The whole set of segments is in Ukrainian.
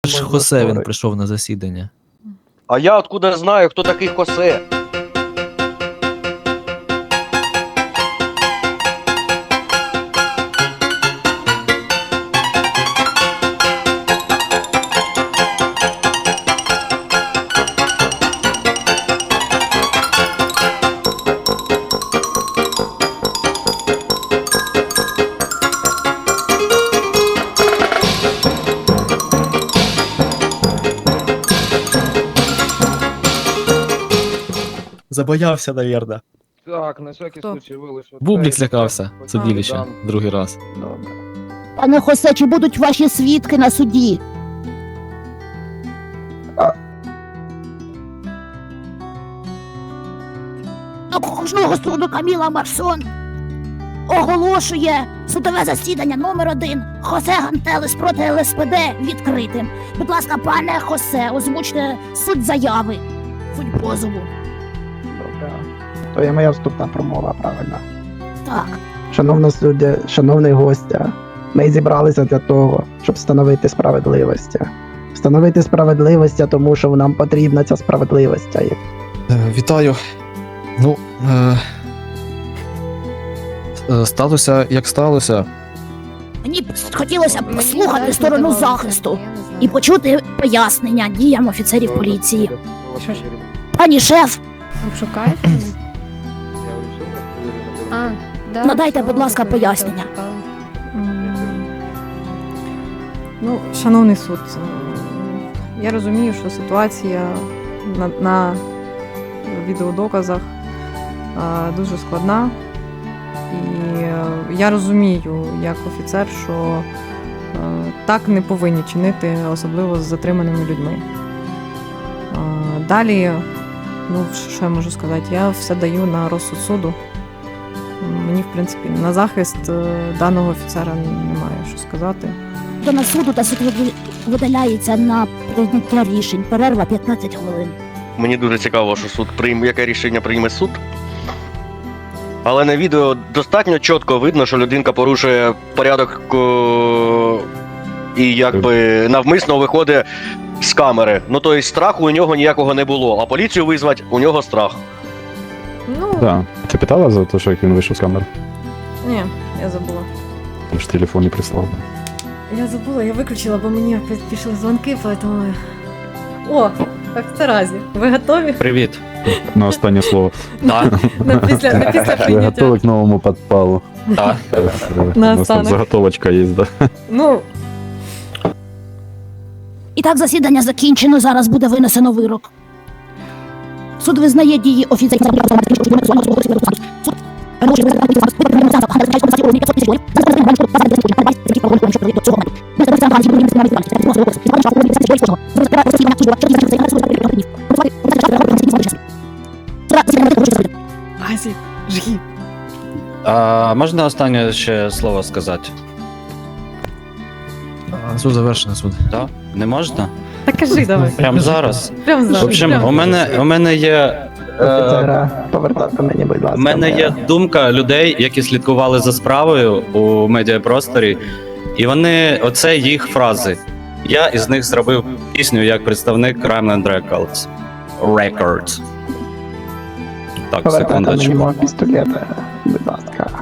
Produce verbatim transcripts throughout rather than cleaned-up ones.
ж Хосе він прийшов на засідання. А я откуда знаю, хто такий Хосе? Забоявся, навірно. Так, на всякий Хто? случай вилиш. Бублік злякався, судилище, другий раз. Добре. Пане Хосе, чи будуть ваші свідки на суді? Окружного суду Каміла Марсон оголошує судове засідання номер один Хосе Гантелес проти Ел Ес Пе Де відкритим. Будь ласка, пане Хосе, озвучте суть заяви, суть позову. Добре. То є моя вступна промова, правильно. Так. Шановна суддя, шановний гостя, ми зібралися для того, щоб встановити справедливість. Встановити справедливість, тому що нам потрібна ця справедливість. Е, Вітаю. Ну, е, е, сталося, як сталося. Мені б хотілося б Мені послухати навіть сторону не здавалося, захисту я не знаю. і почути пояснення діям офіцерів поліції. Що ж? Пані шеф, Шукаєте? А, да, Надайте, що будь ласка, ви пояснення. шукали? М, Ну, шановний суд, е, я розумію, що ситуація на, на відеодоказах е, дуже складна. І е, я розумію, як офіцер, що е, так не повинні чинити, особливо з затриманими людьми. Е, Далі, ну, що я можу сказати, я все даю на розсуд суду. Мені, в принципі, на захист е, даного офіцера немає що сказати. до нас суду та суд видаляється на прийняття рішень. Перерва п'ятнадцять хвилин. Мені дуже цікаво, що суд прийме, яке рішення прийме суд. Але на відео достатньо чітко видно, що людинка порушує порядок о, і якби навмисно виходить з камери. Ну тобто страху у нього ніякого не було, а поліцію визвати у нього страх. Ну, Да. Ти питала за те, що як він вийшов з камери? ні, я забула. Там ж телефон не прислав. Я забула, я виключила, бо мені опять пішли дзвонки, поэтому... О, як в Таразі. Ви готові? Привіт. На останнє слово. Так, На після, на після Ви прийняття. готові к новому підпалу? так. У нас там останок. заготовочка є, да. Ну, І так засідання закінчено, зараз буде винесено вирок. Суд визнає дії офіцерів. Азі, жги. А можна останнє ще слово сказати? А, Суд завершено, суд. Так? Не можна? Так кажи давай. Прямо зараз. Прям В зараз. общем, прям. у мене, у мене є. Е, Офіцера, повертати мені, будь ласка. у мене є думка людей, які слідкували за справою у медіапросторі, і вони, оце їх фрази. Я із них зробив пісню як представник Crimeland Records. Records. Так, Повертати мені секундочку. мого пістолета, будь ласка.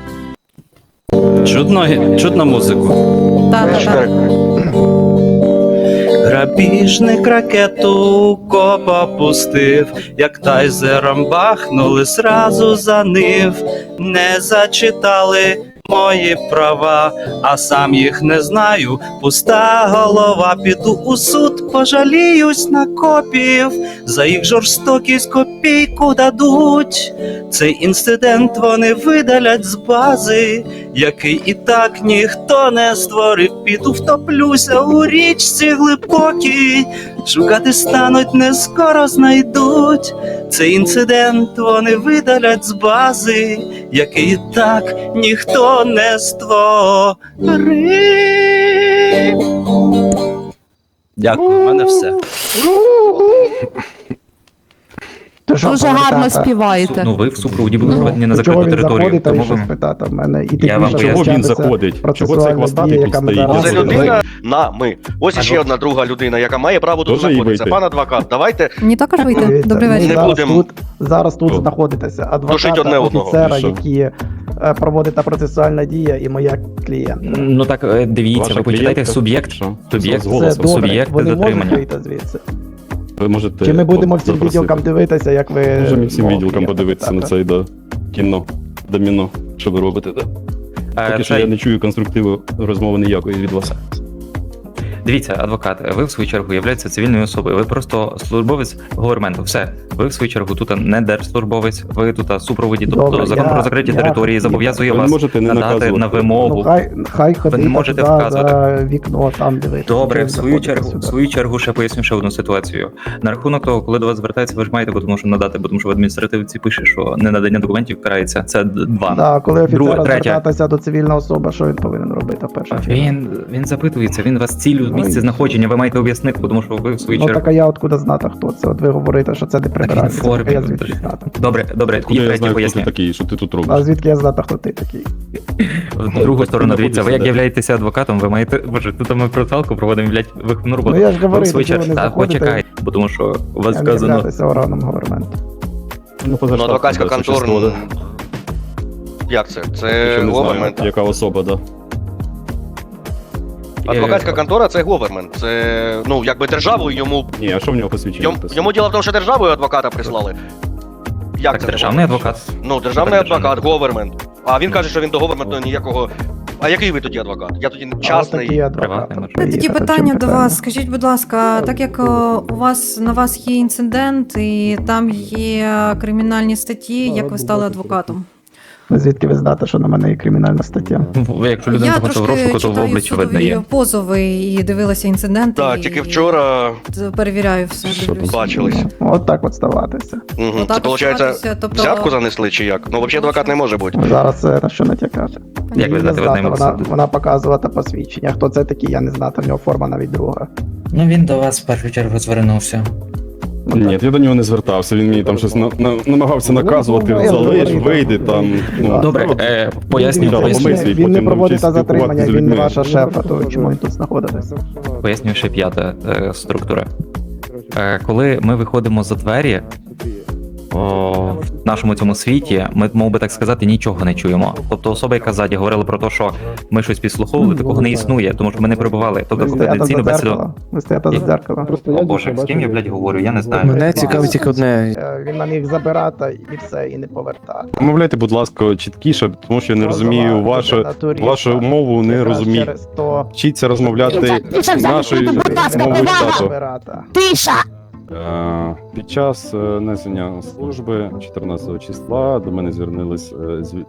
Чудно, чудно музику. Та-та-та. Грабіжник ракету копа пустив, як тайзером бахнули зразу за нив, не зачитали мої права, а сам їх не знаю, пуста голова, піду у суд, пожаліюсь на копів, за їх жорстокість копійку дадуть, цей інцидент вони видалять з бази, який і так ніхто не створив, піду втоплюся у річці глибокій, шукати стануть, не скоро знайдуть, цей інцидент вони видалять з бази, який і так ніхто не створив. Дякую, у мене все. То що, Дуже гарно повертати? співаєте. Ну, ви в супроводі були Ну, проведені на то чого закриту він територію. заходить, а Тому ви щось ви... питати в мене? І Я вам технічно поясню. Чого він вчатися заходить? Чого цей процесуальні хвостатий дії, тут яка стоїть? зараз Це робить. людина на ми. Ось іще Адвокат. одна друга людина, яка має право тут Тоже їй знаходитися. вийти? Пан адвокат, давайте Мені також вийти. Дивіться, Добрий ми вечір. Не зараз будемо. тут, зараз тут О. знаходитеся. Душить Адвоката, одне одного. офіцера, І що? які е, проводить та процесуальна дія, і моя клієнтка. Ну так, е, дивіться, Ваша ви почитайте клієнтка? суб'єкт, Що? суб'єкт, З голосом. Це добре, суб'єкти вони можуть затримання. вийти звідси. Ви можете... Чи ми будемо всім запросити? відділкам дивитися, як ви... Можемо всім мов відділкам клієнта подивитися на питати? цей, да, кіно, доміно, що ви робите, да? Е, Поки що цей- я не чую конструктиву розмови ніякої від вас. Дивіться, адвокат, ви в свою чергу являєтеся цивільною особою. Ви просто службовець говерменту. Все. Ви в свою чергу тут не держслужбовець, ви тут супроводі, тобто Добре, закон я- про закриті я- території зобов'язує Ви не вас можете не надати наказувати. на Ну, вимогу. хай, хай ходить не можете туди вказувати. за вікно, там дивитися. Добре, Чого в свою заходите чергу, сюди? в свою чергу ще поясню ще одну ситуацію. На рахунок того, коли до вас звертається, ви ж маєте, бо тому що надати, бо тому що в адміністративці пише, що ненадання документів карається. Це д- два. Да, коли офіцера Друге, третє. звертатися до цивільної особи, що він повинен робити в першу чергу? Він він запитується, він вас цілю Ну, місце і- знаходження, ви маєте об'яснити, бо тому що ви в свою Ну чергу. так а я откуда знати, хто це? От ви говорите, що це не прибирається. формі, Так, а я ну, звідки тож- знати? Добре, добре, Куди і я третє знаю, хто ти поясню. такий, що ти тут А робиш? звідки я знати, хто ти такий? В другу сторону, дивіться, ви як знаходишся, являєтееся адвокатом, ви маєте. Боже, тут ми процалку проводимо, блядь, виховну роботу. Ну я ж Ви в говорю, свою що ви чергу, не так, заходите, почекай, бо тому що у вас я не вказано. являюся органом говерменту. Ну, Ну, адвокатська контора. контора. Як це? Ще Це не знаю, говермент. яка особа, да. Адвокатська контора це говермент. Це, ну, якби державою йому. Ні, а що в нього посвідчення? Йому, написано? йому діло в тому, що державою адвоката прислали. Як Так, це державний говермент? адвокат. Ну, державний Так, державний. адвокат, говермент. А він каже, що він до говерменту ніякого. А який ви тоді адвокат? Я тоді А от частний. такий адвокат. приватний, може. приїхав, Тоді в чому питання до вас. Скажіть, будь ласка, так як о, у вас на вас є інцидент і там є кримінальні статті, як ви стали адвокатом? Звідки ви знаєте, що на мене є кримінальна стаття? Ну, Якщо людина Я знаходиться в трошки розшуку, то в читаю обличчі видно судові є. позови і дивилася інциденти. Так, і тільки вчора перевіряю все. Що Дивлюся. бачились. От так от ставатися. Угу. Це Отак виходить, оставатися, тобто- взятку занесли чи як? Ну, взагалі адвокат не може бути. Зараз це на що натякати. Як ви Її знаєте, не ви знати, ним вона, судите? вона показувати посвідчення. Хто це такий, я не знати, в нього форма навіть друга. Ну він до вас в першу чергу звернувся. Ні, я до нього не звертався, він мені там щось на, на, намагався наказувати, Ну, я залиш, говорю, вийди так. там. Ну, Добре, ну, е, поясню, Він- Він, поясню, помисли, не- він не потім проводить навчись затримання, спілкуватися з він не людьми. ваша шефа, то чому він тут знаходиться? пояснюю ще п'ята е, структура. Е, коли ми виходимо за двері, о, в нашому цьому світі, ми, мов би так сказати, нічого не чуємо. Тобто особа, яка ззаді говорила про те, що ми щось підслуховували, такого не існує, тому що ми не перебували. Тобто Ви стояти за конфіденційну бесіду. дзеркало. Ви стояти за дзеркало. О Боже, з ким я, блядь, говорю, я не знаю. Мене цікавить тільки одне. Е, Він нам їх забирати і все, і не повертати. Промовляйте, будь ласка, чіткіше, тому що я не розумію вашу, вашу мову, не Якраз розумію. Через то Вчіться розмовляти Тиша, тиша, нашою будь ласка, мовою увага! штату. забирати. Тиша! Е, Під час е, несення служби чотирнадцятого числа до мене звернулись е, з-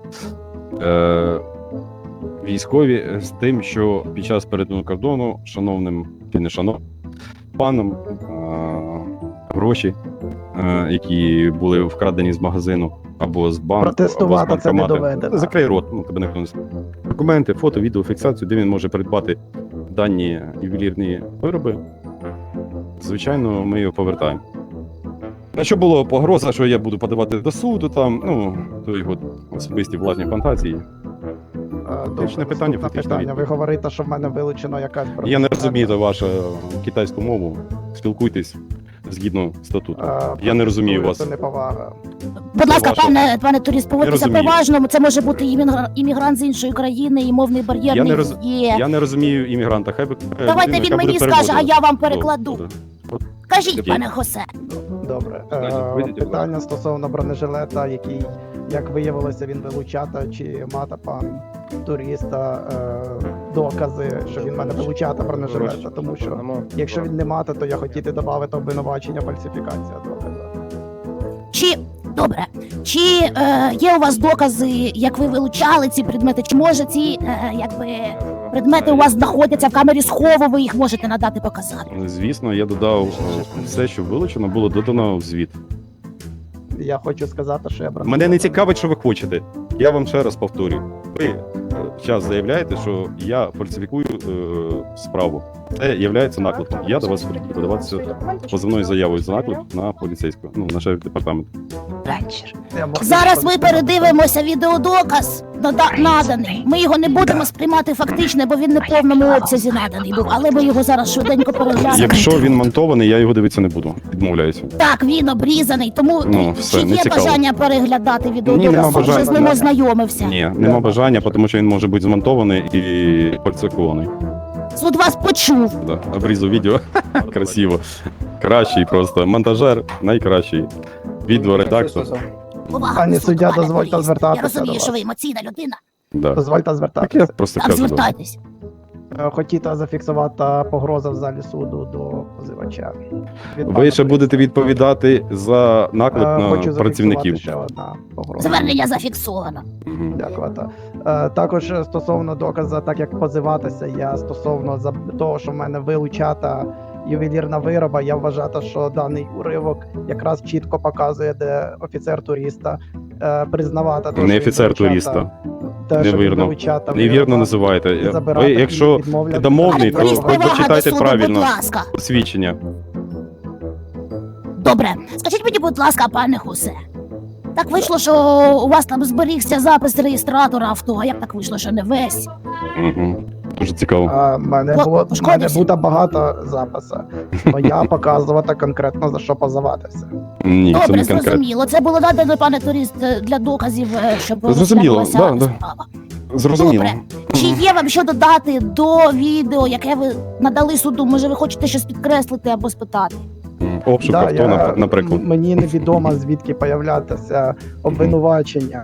е, військові з тим, що під час перетину кордону шановним чи не шановним паном е, гроші, е, які були вкрадені з магазину або з банку, або з Протестувати це не банкомата. доведено. Закрий рот, ну тебе ніхто не слухає. Документи, фото, відео, фіксацію, де він може придбати дані ювелірні вироби. Звичайно, ми його повертаємо. На що було погроза, що я буду подавати до суду, там, ну, то його особисті власні фантазії. Е, добре, Точне питання, наступне фактично питання. Ви відповідь. говорите, що в мене вилучено якась Я не розумію вашу китайську мову. Спілкуйтесь згідно статуту. Е, Я не розумію вас. Це неповага. Будь ласка, Ваша- пане, пане турист, поводьтеся розумію. поважно. Це може бути іммігра- іммігрант з іншої країни, і мовний бар'єр Я не не роз- є. Я не розумію іммігранта. Хай би е, Давайте людина, він яка мені буде скаже, а переводити. я вам Ну, перекладу. добре. Кажіть, Окей. пане Хосе. Добре. Давайте, Е, вийдіть, будь Питання стосовно бронежилета, який, як виявилося, він вилучата, чи мата пан туриста е, докази, що він в мене вилучата бронежилета, тому що якщо він не мати, то я хотіти додати обвинувачення фальсифікація доказу. Чи добре, чи е, є у вас докази, як ви вилучали ці предмети? Чи може ці е, якби предмети у вас знаходяться в камері схову? Ви їх можете надати показати? Звісно, я додав е, все, що вилучено, було додано в звіт. Я хочу сказати, що я бронежилет. Мене не цікавить, що ви хочете. Я вам ще раз повторюю. Ви е, час заявляєте, що я фальсифікую е, справу. Це є наклепом. Я до вас буду подаватися позовною заявою за наклеп на поліцейського, ну, на шеф департамент. Зараз ми передивимося відеодоказ нада- наданий. Ми його не будемо сприймати фактично, бо він не в повному обсязі наданий був, але ми його зараз швиденько переглянемо. Якщо він монтований, я його дивитися не буду. Відмовляюся. Так, він обрізаний, тому Ну, все, чи не є цікаво. бажання переглядати Ні, відеодоказ? нема Ти вже бажання. з ним ознайомився. Ні, нема бажання, тому що він може бути змонтований і фальсифікований. Суд вас почув. Да, обрізав відео. Красиво. Кращий просто. Монтажер найкращий. Відеоредактор. Увага, Пані суд, суддя, пане дозвольте юрист. звертатися Я розумію, до що вас. ви емоційна людина. Да. Дозвольте Так я звертатися. просто Так, кажу. да. звертайтесь. Е, Хотіла зафіксувати погроза в залі суду до позивача. Від Ви пана ще будете відповідати за Е, наклеп Хочу на зафіксувати працівників. ще одна погроза. Звернення зафіксовано. Мгм. Дякувати. Е, Також е, стосовно доказу, так як позиватися, я стосовно за того, що в мене вилучата ювелірна вироба, я вважаю, що даний уривок якраз чітко показує, де офіцер туриста е, признавати. те, Не що він офіцер вилучата- туриста. те, що він Невірно. вилучата Невірно вироба, називаєте. і Ви, забирати, якщо і відмовляти. недомовний, то Пане юрист, ви повага до дочитайте суду, правильно будь ласка. посвідчення. Добре, скажіть мені, будь ласка, пане Хусе. Так вийшло, що у вас там зберігся запис реєстратора авто, а як так вийшло, що не весь? Угу. Дуже цікаво. А, в мене Хлоп- було в мене пошкодився? буде багато запису. Но я показувати конкретно за що позиватися. Ні, це Добре, не конкретно. зрозуміло. Це було надано, пане турист, для доказів, е, щоб Зрозуміло, розглянулася да, да. справа. Зрозуміло. Добре. Чи є вам що додати до відео, яке ви надали суду? Може, ви хочете щось підкреслити або спитати? М, Обшук Да, авто, я- напр- наприклад. м- Мені невідомо, звідки появлятися обвинувачення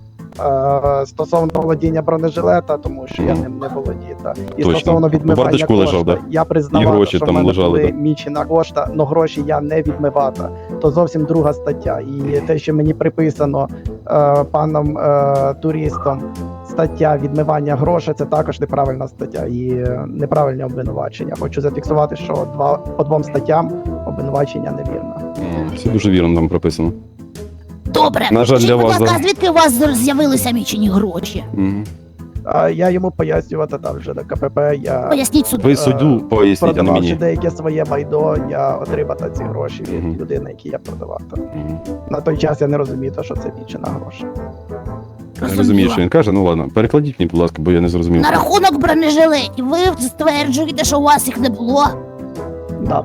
е, стосовно володіння бронежилета, тому що я Мгм. ним не володію. та. І Точно. стосовно У відмивання бардачку кошта, лежав, да? я признавав, І гроші що там в мене лежали, були да. мічена кошта, але гроші я не відмивата. То зовсім друга стаття. І те, що мені приписано е, паном е, туристом, стаття відмивання грошей, це також неправильна стаття і е, неправильне обвинувачення. Хочу зафіксувати, що два по двом статтям обвинувачення невірне. М, Все дуже вірно там прописано. Добре. На жаль, Скажіть, для будь вас, ласка, да. звідки у вас з'явилися мічені гроші? Мгм. А я йому пояснювати там вже до КПП. Я Поясніть суду. Ви суддю поясніть, а не продававши мені. деяке своє майно, я отримав ці гроші від Мгм. людини, які я продавав. Мгм. На той час я не розумів, то, що це мічена гроші. Я розумію, що він каже. Ну ладно, перекладіть мені, будь ласка, бо я не зрозумів. На рахунок бронежилетів, ви стверджуєте, що у вас їх не було? Да.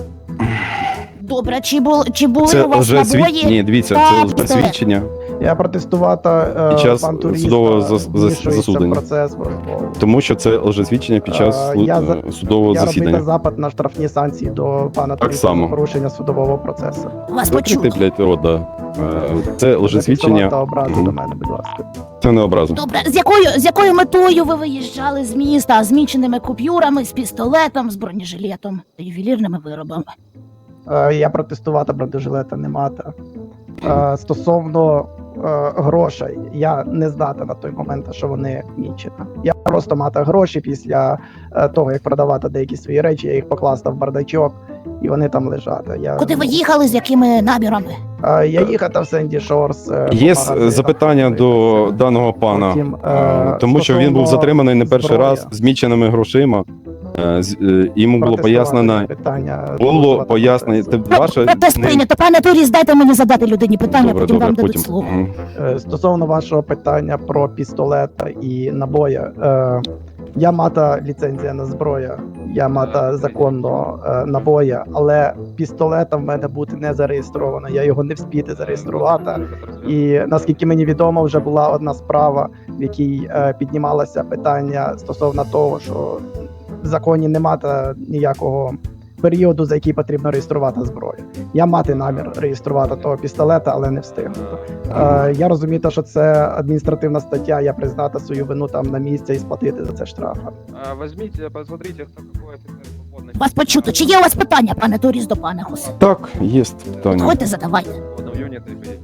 Добре, чи, бул, чи були Це у вас вже свід... набої? Ні, дивіться, Так, це це- свідчення. Я протестувати е, Під час пан туриста судового зас- зас- вмішується в засудення. процес в розмову. Тому що це лжесвідчення під час Е, слу- я за- е, судового Я робив засідання. запит на штрафні санкції до пана Так туриста само. за порушення судового процесу. Вас Закрити, почули. блядь, рот, да. Е, Це лжесвідчення, Зафіксувати образи Мгм. до мене, будь ласка. це не образа. Добре, з якою, з якою метою ви виїжджали з міста? З міченими купюрами, з пістолетом, з бронежилетом та ювелірними виробами? Е, Я протестувати бронежилета не мати. Е, Стосовно е, грошей, я не знати на той момент, що вони мічені. Я просто мати гроші після е, того, як продавати деякі свої речі, я їх покласти в бардачок, і вони там лежать. Я, Куди ви їхали, з якими намірами? Е, Я їхав в Сенді Шорс. е, по Є магазинах. запитання до даного пана, Потім, е, е, тому що він був стосовно затриманий не перший зброї. раз з міченими грошима. Е, з- е, Йому було Протестувати пояснено, питання, було дозволити пояснено, процес. те- ваше Протест не- прийнято. Пане Туріс, дайте мені задати людині питання, Добре, потім добре, вам дадуть потім. слово. Мгм. Е, Стосовно вашого питання про пістолета і набої, е, я мата ліцензія на зброю, я мата законно е, набої, але пістолета в мене бути не зареєстровано. Я його не вспіти зареєструвати. І наскільки мені відомо, вже була одна справа, в якій е, піднімалося питання стосовно того, що в законі немає ніякого періоду, за який потрібно реєструвати зброю. Я мати намір реєструвати того пістолета, але не встигнути. Е, я розумію, те, що це адміністративна стаття, я признати свою вину там на місці і сплатити за це штраф. Возьмите, посмотрите, кто какой офицер свободный. Вас почуто. Чи є у вас питання, пане Туріс, до пана Хусе? Так, є питання. Ходьте, задавайте. В юне ты поедешь.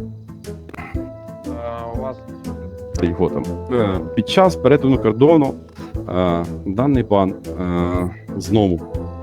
А, у вас Та його там. Е, Під час перетину кордону е, даний пан е, знову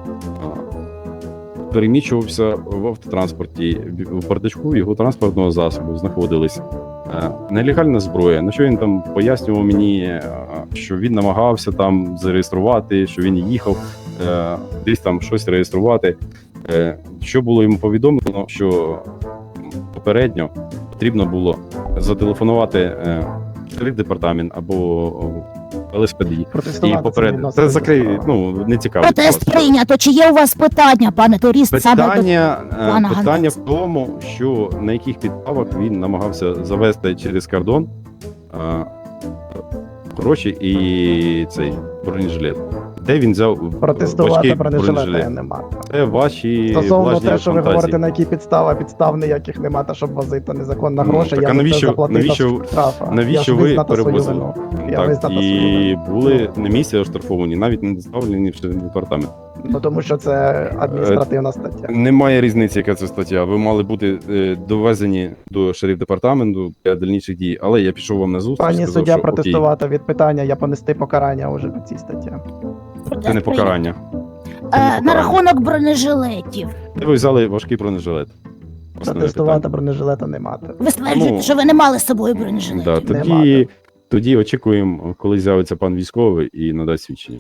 е, переміщувався в автотранспорті. В бардачку його транспортного засобу знаходились Е, Нелегальна зброя. На що він там пояснював мені, е, що він намагався там зареєструвати, що він їхав е, десь там щось реєструвати. Е, Що було йому повідомлено, що попередньо потрібно було зателефонувати е, в департамент або Л С П Д і Протестувати попередити. це Це відносно закрий, закону. ну не цікаво. Протест прийнято. Чи є у вас питання, пане турист, саме до Питання, е, пана питання Ганець? в тому, що на яких підставах він намагався завести через кордон е, гроші і цей бронежилет. Де він взяв Протестувати важкий бронежилета бронежилет? нема. Це ваші Стосовно власні те, що ви фантазії. говорите, на які підстави, підстав ніяких нема, та щоб возити незаконно Ну, гроші, так, я а за це навіщо- заплатив навіщо- штраф. Я Навіщо ж ви визнати свою перевозили? вину. Я Так, визнати свою і вину. були на місці оштрафовані, навіть не доставлені в департамент. Ну тому що це адміністративна стаття. Немає різниці, яка це стаття. Ви мали бути е, довезені до шериф департаменту для дальніших дій, але я пішов вам на зустріч. Пані сказав, суддя що окей, протестувати від питання, я понести покарання вже по цій статті. це не покарання. Е, на рахунок бронежилетів. Де ви взяли важкий бронежилет? Основне Протестувати питання. бронежилета не мати. Ви стверджуєте, Ну, що ви не мали з собою бронежилетів. Да, Нема, тоді, тоді очікуємо, коли з'явиться пан військовий і надасть свідчення.